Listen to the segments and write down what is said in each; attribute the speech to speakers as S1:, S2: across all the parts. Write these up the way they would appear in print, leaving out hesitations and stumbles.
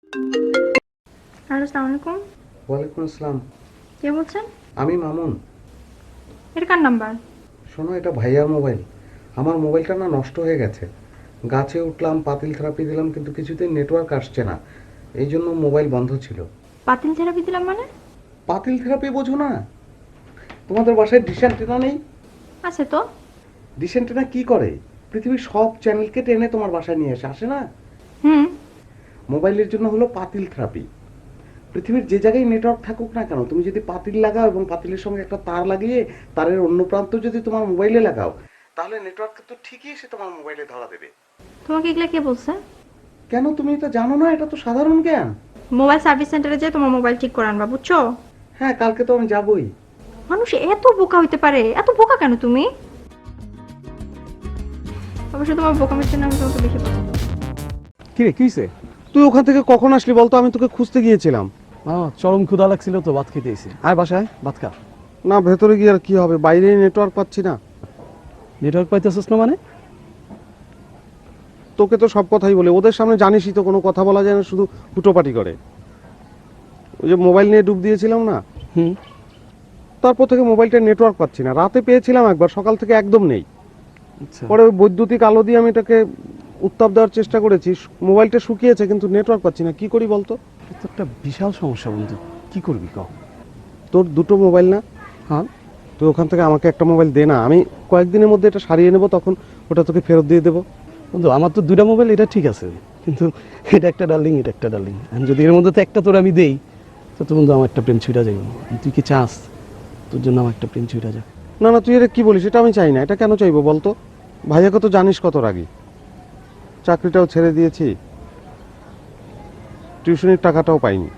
S1: Hello, আসসালামু আলাইকুম।
S2: ওয়ালাইকুম আসসালাম।
S1: কে বলছেন?
S2: আমি মামুন।
S1: এটা কার নাম্বার?
S2: শোনো, এটা ভাইয়ার মোবাইল। আমার মোবাইলটা না নষ্ট হয়ে গেছে। গাছে উঠলাম, পাতিল থেরাপি দিলাম, কিন্তু কিছুতেই নেটওয়ার্ক আসছে না। এই জন্য মোবাইল বন্ধ ছিল।
S1: পাতিল থেরাপি দিলাম মানে?
S2: পাতিল থেরাপি বোঝো না? তোমাদের বাসায় ডিশ অ্যান্টেনা নেই?
S1: আছে তো।
S2: ডিশ অ্যান্টেনা কি করে? পৃথিবীর সব চ্যানেলকে টেনে তোমার বাসায় নিয়ে আসে না?
S1: হুম।
S2: মোবাইলের জন্য হলো পাতিল থেরাপি। পৃথিবীর যে জায়গায় নেটওয়ার্ক থাকুক না কেন, তুমি যদি পাতিল লাগাও এবং পাতিলের সঙ্গে একটা তার লাগিয়ে তারের অন্য প্রান্ত যদি তোমার মোবাইলে লাগাও, তাহলে নেটওয়ার্ক তো ঠিকই এসে তোমার মোবাইলে ধরা দেবে।
S1: তোমাকে এগুলা কে বলছে?
S2: কেন, তুমি এটা জানো না? এটা তো সাধারণ জ্ঞান।
S1: মোবাইল সার্ভিস সেন্টারে যেয়ে তোমার মোবাইল ঠিক করে আনবা, বুঝছো?
S2: হ্যাঁ, কালকে তো আমি যাবই।
S1: মানুষ এত বোকা হইতে পারে? এত বোকা কেন তুমি? অবশ্য তোমার বোকামির জন্য আমি তোমাকে বেশি পছন্দ করি।
S3: কিরে কি হইছে?
S2: তুই ওখান থেকে কখন আসলি বলতো? আমি তোকে খুঁজতে গিয়েছিলাম।
S3: চরম ক্ষুধা লাগছিল তো ভাত খেতে এসে। আয় বাসায় ভাত খা।
S2: না, ভেতরে গিয়ে আর কি হবে, বাইরে নেটওয়ার্ক পাচ্ছি না।
S3: নেটওয়ার্ক পাইতেছিস না মানে?
S2: তোকে তো সব কথাই বলে, ওদের সামনে জানিসই তো কোনো কথা বলা যায় না, শুধু হুটোপাটি করে। ওই যে মোবাইল নিয়ে ডুব দিয়েছিলাম না,
S3: হুম।
S2: তারপর থেকে মোবাইলটা নেটওয়ার্ক পাচ্ছি না। রাতে পেয়েছিলাম একবার, সকাল থেকে একদম নেই।
S3: আচ্ছা।
S2: পরে ওই বৈদ্যুতিক আলো দিয়ে আমি এটাকে উত্তাপ দেওয়ার চেষ্টা করেছি, মোবাইলটা শুকিয়েছে কিন্তু নেটওয়ার্ক পাচ্ছি না। কি করি বলতো?
S3: এটা তো একটা বিশাল সমস্যা বন্ধু। কি করবি ক?
S2: তোর দুটো মোবাইল না?
S3: হ্যাঁ।
S2: তুই ওখান থেকে আমাকে একটা মোবাইল দে না, আমি কয়েকদিনের মধ্যে এটা সারিয়ে নেব, তখন ওটা তোকে ফেরত দিয়ে দেবো।
S3: বন্ধু আমার তো দুইটা মোবাইল, এটা ঠিক আছে, কিন্তু এটা একটা ডার্লিং, এটা একটা ডার্লিং। আমি যদি এর মধ্যে তো একটা তোর আমি দেই, তো বন্ধু আমার একটা প্রেম ছুঁড়া যাইব। তুই কি চাস তোর জন্য আমার একটা প্রেম ছুঁড়া যাক?
S2: না না, তুই এটা কি বলিস? এটা আমি চাই না। এটা কেন চাইবো বলতো? ভাইয়াকে তো জানিস কত রাগী। চাকরিটাও ছেড়ে দিয়েছি, টিউশনির টাকাটাও পাইনি।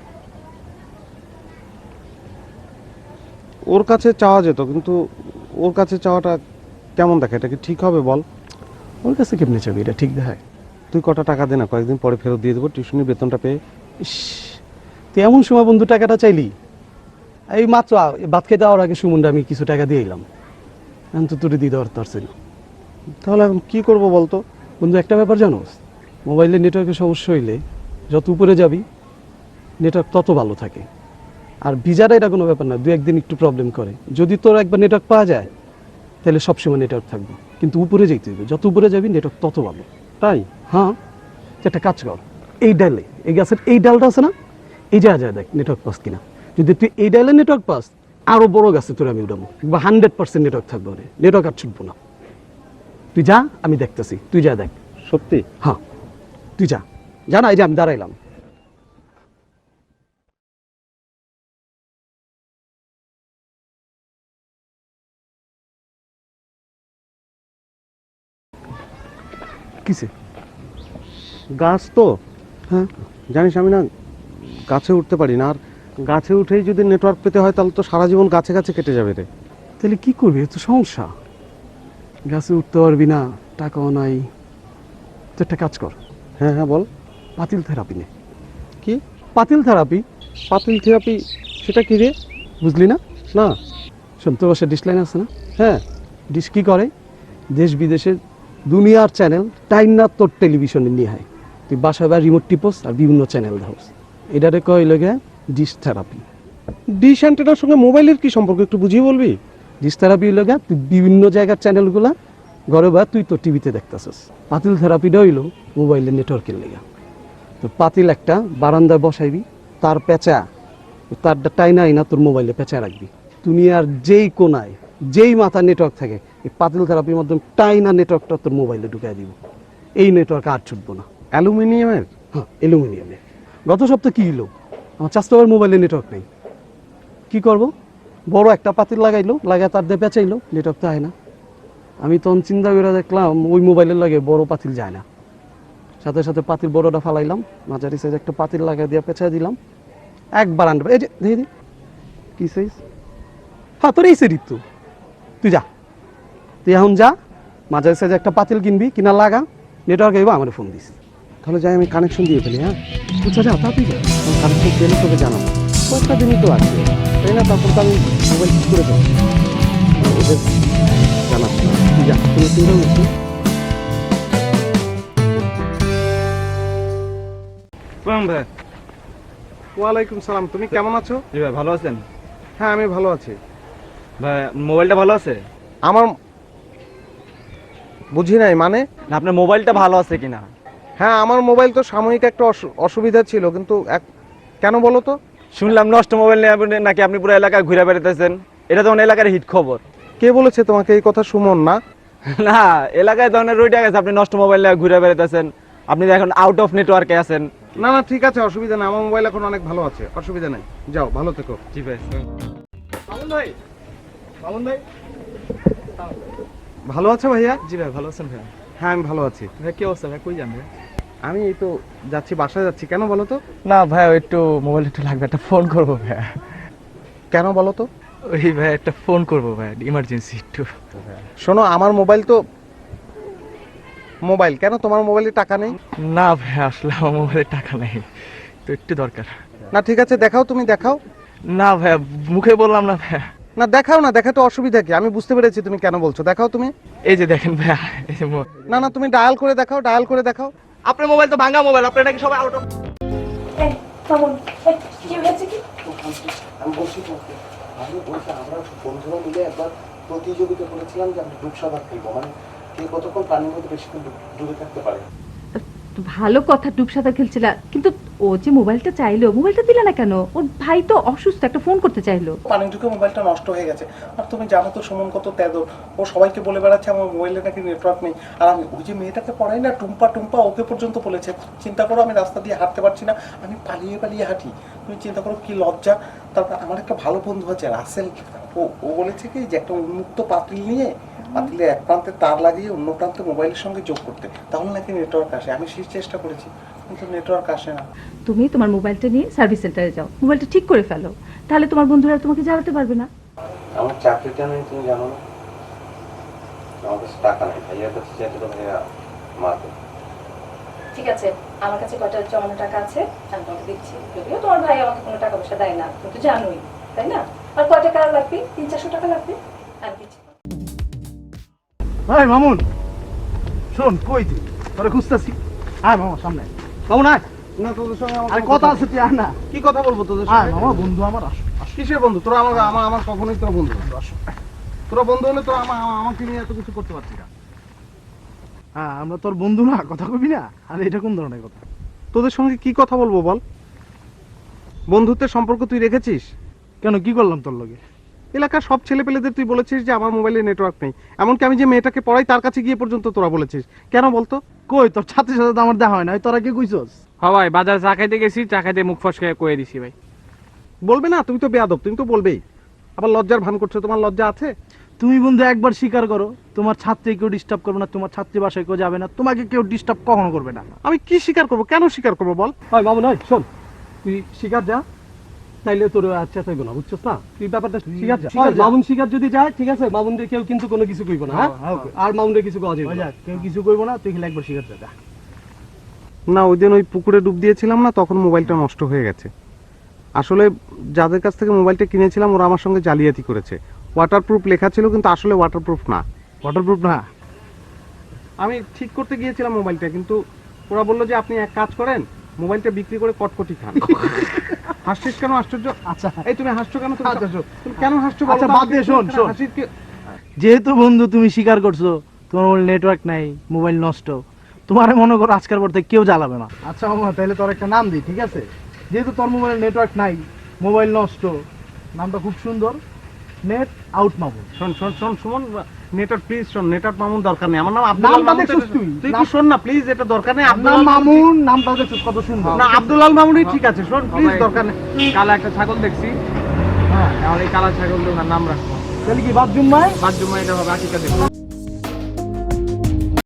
S2: ওর কাছে চাওয়া যেত, কিন্তু ওর কাছে চাওয়াটা কেমন দেখে? এটা কি ঠিক হবে বল?
S3: ওর কাছে কেমনে চাবি? এটা ঠিক দেখায়?
S2: তুই কটা টাকা দে না, কয়েকদিন পরে ফেরত দিয়ে দেবো টিউশনির বেতনটা পেয়ে।
S3: ইস, তুই এমন সময় বন্ধু টাকাটা চাইলি? এই মাত্র ভাত খেতে যাওয়ার আগে সুমনটা আমি কিছু টাকা দিয়ে এলাম। আমি তো তোরে দিয়ে দেওয়ার পারছি না।
S2: তাহলে এখন কি করবো বলতো?
S3: বন্ধু একটা ব্যাপার জানোস, মোবাইলে নেটওয়ার্কের সমস্যা হইলে যত উপরে যাবি নেটওয়ার্ক তত ভালো থাকে। আর ভিজাটা এটা কোনো ব্যাপার না, দু একদিন একটু প্রবলেম করে। যদি তোর একবার নেটওয়ার্ক পাওয়া যায় তাহলে সবসময় নেটওয়ার্ক থাকবে, কিন্তু উপরে যেতে হবে, যত উপরে যাবি নেটওয়ার্ক তত ভালো।
S2: তাই?
S3: হ্যাঁ। তুই একটা কাজ কর, এই ডালে, এই গাছের এই ডালটা আছে না, এই যা দেখ নেটওয়ার্ক পাস কিনা। যদি তুই এই ডালে নেটওয়ার্ক পাস, আরো বড় গাছে তোর আমি উঠাবো, 100% নেটওয়ার্ক থাকবে, নেটওয়ার্ক আর ছুটবো না। তুই যা, আমি দেখতেছি, তুই যা দেখ।
S2: সত্যি?
S3: হ্যাঁ, তুই যা, না এই যে আমি দাঁড়াইলাম। কিসে?
S2: গাছ তো,
S3: হ্যাঁ।
S2: জানিস আমি না গাছে উঠতে পারি না, আর গাছে উঠেই যদি নেটওয়ার্ক পেতে হয় তাহলে তো সারা জীবন গাছে গাছে কেটে যাবে রে।
S3: তাহলে কি করবি? এ তো সমস্যা, গাছে উঠতে পারবি না, টাকাও নাই। তো একটা কাজ কর,
S2: হ্যাঁ হ্যাঁ, বল।
S3: পাতিল থেরাপি নে।
S2: কি?
S3: পাতিল থেরাপি।
S2: পাতিল থেরাপি? সেটা কি রে?
S3: বুঝলি না?
S2: না।
S3: শোন, তোর বাসায় ডিশ লাইন আছে না?
S2: হ্যাঁ।
S3: ডিশ কি করে, দেশ বিদেশের দুনিয়ার চ্যানেল টাইম না তোর টেলিভিশনে নিয়ে হয়। তুই বাসায় বা রিমোট টিপস আর বিভিন্ন চ্যানেল ধাওস। এটারে কয় লাগে ডিশ থেরাপি।
S2: ডিশ অ্যান্টেনার সঙ্গে মোবাইলের কি সম্পর্ক, একটু বুঝিয়ে বলবি?
S3: ডিশ থেরাপি লাগে তুই বিভিন্ন জায়গার চ্যানেলগুলা ঘরে বা তুই তো টিভিতে দেখতেছিস। পাতিল থেরাপিটা হইলো মোবাইলের নেটওয়ার্কের লেগা। তো পাতিল একটা বারান্দায় বসাইবি, তার পেঁচা, তারটা টাইনা আইনা তোর মোবাইলে পেঁচা রাখবি। দুনিয়ার যেই কোনায় যেই মাথা নেটওয়ার্ক থাকে, এই পাতিল থেরাপির মাধ্যমে টাইনা নেটওয়ার্কটা তোর মোবাইলে ঢুকাই দিব। এই নেটওয়ার্ক আর ছুটবো না।
S2: অ্যালুমিনিয়ামের?
S3: হ্যাঁ, অ্যালুমিনিয়ামের। গত সপ্তাহে কি হলো, আমার চাষতে মোবাইলে নেটওয়ার্ক নেই। কি করব? বড় একটা পাতিল লাগাইলো, লাগায় তার দিয়ে পেঁচাইলো, নেটওয়ার্ক তো হয় না। আমি তখন চিন্তা করে দেখলাম ওই মোবাইলের লাগে বড় পাতিল যায় না। সাথে সাথে পাতিল বড়টা ফালাইলাম, মাঝারি সাইজ একটা পাতিল লাগাই দিয়ে পেঁচাই দিলাম। একবার আনবে, এই যে দেখি দি কি সাইজ। হ্যাঁ, তোর এই সেরিত তো। তুই যা, তুই এখন যা, মাঝারি সাইজ একটা পাতিল কিনবি, কিনা লাগা, নেটওয়ার্ক আইবা আমার ফোন দিস।
S2: তাহলে যাই আমি কানেকশন দিয়ে ফেলি। হ্যাঁ,
S3: আচ্ছা যা, তাড়াতাড়ি যা।
S2: কানেকশন পেলে তোকে জানাবো। কয়েকটা দিনই তো আছে, তাই না? তারপর তো আমি মোবাইল ঠিক করে দেবো, ওদের জানাচ্ছি।
S3: তুই যা, তুমি চিন্তা করছি।
S4: প্রণাম ভাই।
S2: ওয়ালাইকুম সালাম। তুমি কেমন আছো?
S4: জি ভাই, ভালো আছেন?
S2: হ্যাঁ, আমি ভালো আছি।
S4: ভাই মোবাইলটা ভালো আছে?
S2: আমার বুঝি নাই মানে?
S4: না, আপনার মোবাইলটা ভালো আছে কিনা?
S2: হ্যাঁ, আমার মোবাইল তো সাময়িক একটা অসুবিধা ছিল, কিন্তু কেন বলো তো?
S4: শুনলাম নষ্ট মোবাইল নিয়ে নাকি আপনি পুরো এলাকায় ঘুরে বেড়াতেছেন। এটা তো এলাকার হিট খবর।
S2: কে বলেছে তোমাকে এই কথা? সুমন না?
S4: না, এলাকায় ধরনের রইটা গেছে আপনি নষ্ট মোবাইল নিয়ে ঘুরে বেড়াতেছেন। আপনি তো এখন আউট অফ নেটওয়ার্কে আছেন।
S2: না না, ঠিক আছে, অসুবিধা নেই, আমার মোবাইল এখন অনেক ভালো আছে, অসুবিধা নেই। যাও, ভালো থেকো।
S4: জি ভাই। মামুন ভাই, মামুন ভাই।
S2: ভালো আছো ভাইয়া?
S4: জি ভাই, ভালো আছেন ভাই?
S2: হ্যাঁ, আমি ভালো আছি।
S4: ভাই কি অবস্থা ভাই, কই যান ভাই?
S2: আমি এই তো যাচ্ছি, বাসায় যাচ্ছি। কেন বলো তো?
S4: না ভাই, একটু মোবাইল একটু লাগবে, একটা ফোন করবো ভাই।
S2: কেন বলো তো?
S4: ওই ভাই একটা ফোন করবো ভাই, ইমার্জেন্সি একটু।
S2: শোনো, আমার মোবাইল তো মোবাইল, কেন তোমার মোবাইলে টাকা নেই?
S4: না ভাই, আসলে আমার মোবাইলে টাকা নেই, তো একটু দরকার।
S2: না, ঠিক আছে, দেখাও, তুমি দেখাও।
S4: না ভাই, মুখে বললাম না ভাই।
S2: না, দেখাও না, দেখাতে অসুবিধা কি? আমি বুঝতে পেরেছি তুমি কেন বলছো, দেখাও তুমি।
S4: এই যে দেখেন ভাই, এই যে
S2: না না, তুমি ডায়াল করে দেখাও, ডায়াল করে দেখাও।
S4: আপনার মোবাইল তো ভাঙা মোবাইল, আপনার নাকি সবাই আউট অফ।
S1: এই মামুন, এই কি হয়েছে কি?
S2: আমি বলছি তোমাকে, আমি বলছি আমরা বন্ধুরা মিলে একবার প্রতিযোগিতা করেছিলাম যে আমরা ডুব সাঁতার খেলবো, মানে কে কতক্ষণ পানির মধ্যে বেশিক্ষণ ডুবে থাকতে পারে।
S1: তো ভালো কথা, ডুব সাঁতার খেলছিলা, কিন্তু ও যে মোবাইলটা চাইলো, মোবাইলটা দিলা না কেন? ওর ভাই তো অসুস্থ, একটা ফোন করতে চাইলো।
S2: পানি ঢুকে মোবাইলটা নষ্ট হয়ে গেছে। আর তুমি জানো তো সুমন কত তেদর, ও সবাইকে বলে বেড়াচ্ছে আমার মোবাইলে নাকি নেটওয়ার্ক নেই। আর আমি ওই যে মেয়েটাকে পড়াই না, টুম্পা টুম্পা, ওকে পর্যন্ত বলেছে। চিন্তা করো, আমি রাস্তা দিয়ে হাঁটতে পারছি না, আমি পালিয়ে পালিয়ে হাঁটি। তুমি চিন্তা করো কি লজ্জা। তারপর আমার একটা ভালো বন্ধু আছে রাসেল, ও বলেছে কি যে একটা উন্মুক্ত পাতিল নিয়ে পাতিলে এক প্রান্তে তার লাগিয়ে অন্য প্রান্তে মোবাইলের সঙ্গে যোগ করতে, তাহলে নাকি নেটওয়ার্ক আসে। আমি সেই চেষ্টা করেছি, কিন্তু নেটওয়ার্ক আসে না।
S1: তুমি তোমার মোবাইলটা নিয়ে সার্ভিস সেন্টারে যাও, মোবাইলটা ঠিক করে ফেলো, তাহলে তোমার বন্ধুরা তোমাকে জ্বালাতে পারবে না।
S2: আমার চাকরিটা নেই, তুমি জানো না? আমার কাছে টাকা নেই, ভাইয়ার কাছে যেতে তো ভাইয়া মারবে।
S1: ঠিক আছে, আমার কাছে কয়টা জমানো টাকা আছে আমি তোমাকে দিচ্ছি। যদিও তোমার ভাই আমাকে কোনো টাকা পয়সা দেয় না, তুমি তো জানোই, তাই না? আর কয় টাকা লাগবে? 300-400 টাকা লাগবে, আমি দিচ্ছি।
S3: ভাই মামুন, শোন, কই তুই? তোরে খুঁজতেছি। আয় মামা, সামনে মামুন, আয়।
S2: না, তোদের সঙ্গে আমার
S3: আরে কথা আছে, তুই আয় না।
S2: কি কথা বলবো তোদের
S3: আয়
S2: সঙ্গে?
S3: মামা, বন্ধু আমার, আসো।
S2: কিসের বন্ধু? তোরা আমার আমার আমার কখনোই তোরা বন্ধু না। তোরা বন্ধু হলে তোরা আমাকে নিয়ে এত কিছু করতে পারছি না।
S3: হ্যাঁ, আমরা তোর বন্ধু না, কথা কবি না। আরে এটা কোন ধরনের কথা?
S2: তোদের সঙ্গে কি কথা বলবো বল? বন্ধুত্বের সম্পর্ক তুই রেখেছিস?
S3: কেন, কি করলাম তোর লগে?
S2: এলাকার সব ছেলেপেলেদের তুই বলেছিস যে আমার মোবাইলে নেটওয়ার্ক নেই। এমনকি আমি যে মেয়েটাকে পড়াই তার কাছে গিয়ে পর্যন্ত তোরা বলেছিস। কেন বলতো?
S3: কই, তোর ছাত্রের সাথে তো আমার দেখা হয় না, তোরা কি কইছস?
S5: হ্যাঁ ভাই, বাজারে চা খাইতে গেছি, চা খাইতে মুখ ফসকে কয়ে দিছি ভাই।
S2: বলবে না? তুমি তো বেয়াদব, তুমি তো বলবেই। আবার লজ্জার ভান করছো, তোমার লজ্জা আছে?
S3: তুমি বন্ধু একবার স্বীকার করো, তোমার ছাত্রী কেউ ডিস্টার্ব করবে না, তোমার ছাত্রী বাসায় কেউ যাবে না, তোমাকে কেউ ডিস্টার্ব কখনো করবে না।
S2: আমি কি স্বীকার করবো? কেন স্বীকার করবো বল?
S3: হয় মামুন, হয় শোন, তুই শিকার যা, তাইলে তোর আচ্ছা তাইব না, বুঝছস না? তুই ব্যাপারটা শিকার যা। মামুন শিকার যদি যায়, ঠিক আছে, মামুনরে কেউ কিন্তু কোনো কিছু কইব না। হ্যাঁ, আর মামুনরে কিছু কওয়া যাবে না, কেউ কিছু কইব না, তুই খালি একবার শিকার যা।
S2: না, ওই দিন ওই পুকুরে ডুব দিয়েছিলাম না, তখন মোবাইলটা নষ্ট হয়ে গেছে। আসলে যাদের কাছ থেকে মোবাইলটা কিনেছিলাম ওরা আমার সঙ্গে জালিয়াতি করেছে। ওয়াটারপ্রুফ লেখা ছিল, কিন্তু আসলে ওয়াটারপ্রুফ না।
S3: ওয়াটারপ্রুফ না?
S2: আমি ঠিক করতে গিয়েছিলাম মোবাইলটা, কিন্তু ওরা বললো যে আপনি এক কাজ করেন, মোবাইলটা বিক্রি করে কটকটি খান। হাসছিস কেন? আশ্চর্য।
S3: আচ্ছা,
S2: এই তুমি হাসছো কেন? তুমি
S3: আচ্ছা, শোন।
S2: তুমি কেন হাসছো বলো
S3: আচ্ছা,
S2: তো?
S3: বাদ দে, শোন, শোন।
S2: হাসির কি?
S3: যেহেতু বন্ধু তুমি স্বীকার করছো তোমার মোবাইল নেটওয়ার্ক নাই, মোবাইল নষ্ট, তোমার মনে করো আজকের পর থেকে কেউ জ্বালাবে না। আচ্ছা মামা, তাহলে তোর একটা নাম দিই, ঠিক আছে? যেহেতু তোর মোবাইল নেটওয়ার্ক নাই, মোবাইল নষ্ট, নামটা খুব সুন্দর, নেট আউট মামুন।
S2: শোন শোন শোন সুমন, নেটওয়ার্ক প্লিজ শোন, নেটওয়ার্ক মামুন দরকার নেই। আমার নাম আব্দুল আল
S3: নামটা
S2: মামুন।
S3: দেখছিস তুই?
S2: তুই কি শোন না প্লিজ, এটা দরকার নেই। আব্দুল
S3: নাম
S2: আল
S3: মামুন, নামটা দেখছিস কত সুন্দর?
S2: না, আব্দুল আল মামুনই ঠিক আছে। শোন প্লিজ, দরকার নেই।
S5: কালা একটা ছাগল দেখছি,
S3: হ্যাঁ,
S5: আমার এই কালা ছাগল নাম রাখবো।
S3: তাহলে কি বাদ জুম্মায়?
S5: বাদ জুম্মা এটা হবে আকিকা দেখবো।